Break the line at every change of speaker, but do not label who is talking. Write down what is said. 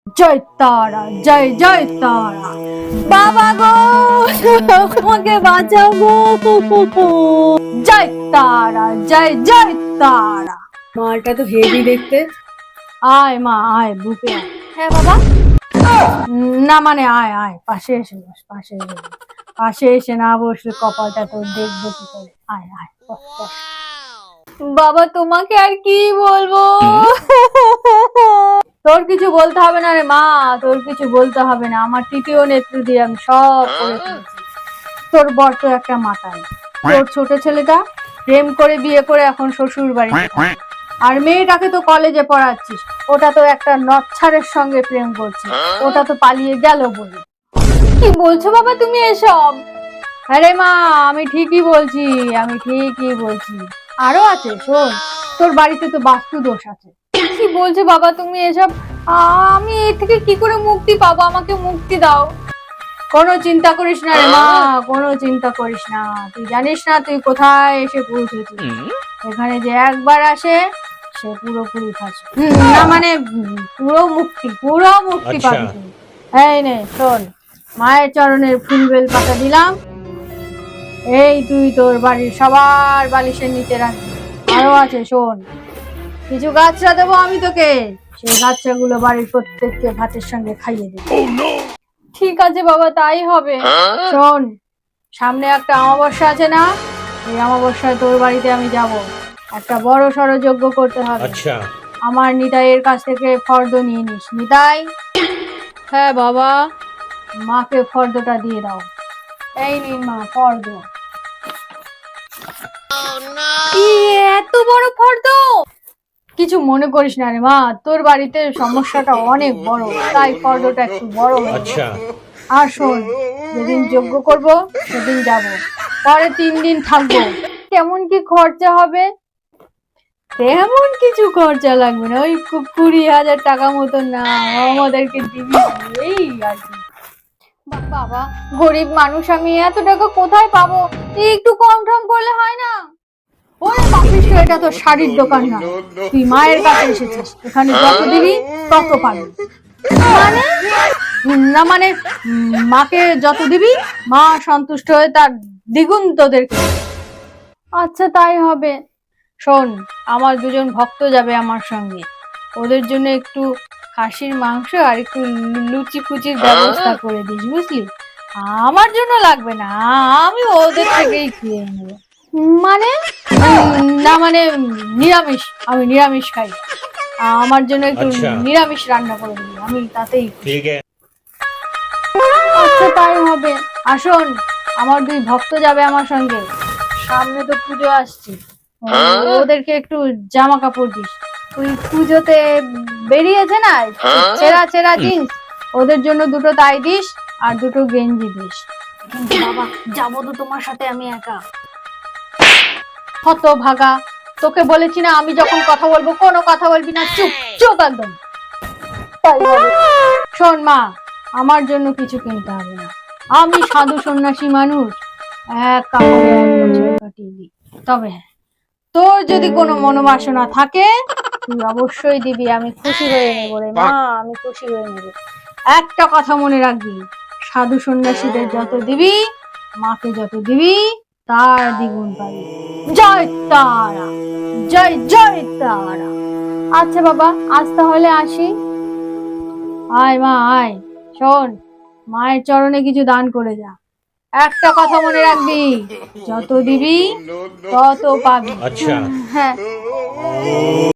জয় তারা, জয় জয় তারা। বাবা গো, আমাকে বাঁচাও গো। জয় তারা, জয় জয় তারা।
মালটা তো হেভি দেখতে।
আয় মা, আয় বুকে আয়। হ্যাঁ বাবা। না মানে আয় আয়, পাশে এসে বস, পাশে এসে বস। পাশে এসে না বসলে কপালটা তোর দেখবো কি করে। আয় আয়, বস বস। বাবা তোমাকে আর কি বলবো। তোর কিছু বলতে হবে না রে মা, তোর কিছু বলতে হবে না। আমার তৃতীয় নেত্রী দিয়ে আমি সব করে ফেলেছি। তোর বর তো একটা মাতাল। তোর ছোট ছেলেটা প্রেম করে বিয়ে করে এখন শ্বশুর বাড়িতে থাকে। আর মেয়েটাকে তো কলেজে পড়াচ্ছিস, ওটা তো একটা নচ্ছারের সঙ্গে প্রেম করছে, ওটা তো পালিয়ে গেল বলে। কি বলছো বাবা তুমি এসব? আরে মা, আমি ঠিকই বলছি, আমি ঠিকই বলছি। আরো আছে শোন, তোর বাড়িতে তো বাস্তু দোষ আছে। কি বলছো বাবা তুমি এসব? আমি এর থেকে কি করে মুক্তি পাবো? আমাকে মুক্তি দাও। কোনো চিন্তা করিস না রে মা, কোনো চিন্তা করিস না। তুই জানিস না তুই কোথায় এসে পৌঁছেছিস। এখানে যে একবার আসে সে পুরোপুরি ফাঁসে। না মানে পুরো মুক্তি পাবি তুই। এই নে শোন, মায়ের চরণের ফুল বেল পাতা দিলাম, এই তুই তোর বাড়ির সবার বালিশের নিচে রাখবি। আরো আছে শোন, কিছু গাছরা দেবো আমি তোকে, সেই গাছরাগুলো বাড়ির প্রত্যেককে ভাতের সঙ্গে খাইয়ে দেবো। ঠিক আছে বাবা, তাই হবে। শোন, সামনে একটা অমাবস্যা আছে না, এই অমাবস্যায় তোর বাড়িতে আমি যাব। একটা বড় সড়ো যজ্ঞ করতে হবে।
আচ্ছা।
আমার নিতাইয়ের কাছ থেকে ফর্দ নিয়ে নিস। নিতাই। হ্যাঁ বাবা। মাকে ফর্দটা দিয়ে দাও। এই নিন মা ফর্দ। এত বড় ফর্দ? কিছু মনে করিস না রে মা, তোর বাড়িতে সমস্যাটা অনেক বড়, তাই ফর্দটা একটু বড় হয়েছে।
আচ্ছা।
আর শোন, যেদিন যজ্ঞ করব সেদিন যাব, পরে 3 দিন থাকবো। কেমন কি খরচা হবে? তেমন কিছু খরচা লাগবে না, ওই 20,000 টাকা মতন না আমাদেরকে দিবি, এই আর কি। বাবা, গরিব মানুষ আমি, এত টাকা কোথায় পাবো? একটু কম টম করলে হয় না? ওরে পাপিস, এটা তো শাড়ির দোকান না, তুই মায়ের কাছে এসেছিস, এখানে যত দিবি তত পাবি। মানে না মানে মাকে যত দিবি মা সন্তুষ্ট হয়ে তার দ্বিগুণ তোদেরকে। আচ্ছা তাই হবে। শোন, আমার 2জন ভক্ত যাবে আমার সঙ্গে, ওদের জন্য একটু খাসির মাংস আর একটু লুচি ফুচির ব্যবস্থা করে দিস, বুঝলি? আমার জন্য লাগবে না, আমি ওদের থেকেই খেয়ে নেবো। মানে না মানে নিরামিষ, আমি নিরামিষ খাই। আমার জন্য একটু
আচ্ছা।
নিরামিষ রান্না করে দিবি, আমি তাতেই খুশি।
ঠিক আছে।
আচ্ছা তাই হবে। আসুন, আমার 2 ভক্ত যাবে আমার সঙ্গে, সামনে তো পুজো আসছে, ওদেরকে একটু জামা কাপড় দিস। ওই পুজোতে বেরিয়েছে না ছেঁড়া ছেঁড়া জিন্স, ওদের জন্য 2টো তাই দিস আর 2টো গেঞ্জি দিস। কিন্তু বাবা, যাবো তো তোমার সাথে আমি একা। হত ভাগা, তোকে বলেছি না আমি যখন কথা বলবো কোনো কথা বলবি না, চুপ চুপ একদম। তাই হবে। শোন মা, আমার জন্য কিছু কিনতে হবে না, আমি সাধু সন্ন্যাসী মানুষ, এক কাপড়ে 1 বছর কাটিয়ে দিই। তবে হ্যাঁ, তোর যদি কোনো মনোবাসনা থাকে তুই অবশ্যই দিবি, আমি খুশি হয়ে নেবো রে মা, আমি খুশি হয়ে নেবো। একটা কথা মনে রাখবি, সাধু সন্ন্যাসীদের যত দিবি, মাকে যত দিবি তার দ্বিগুণ পাবি। জয় তারা, জয় জয় তারা। আচ্ছা বাবা, আজ তাহলে আসি। আয় মা আয়। শোন, মায়ের চরণে কিছু দান করে যা। একটা কথা মনে রাখবি, যত দিবি তত পাবি।
আচ্ছা।
হ্যাঁ।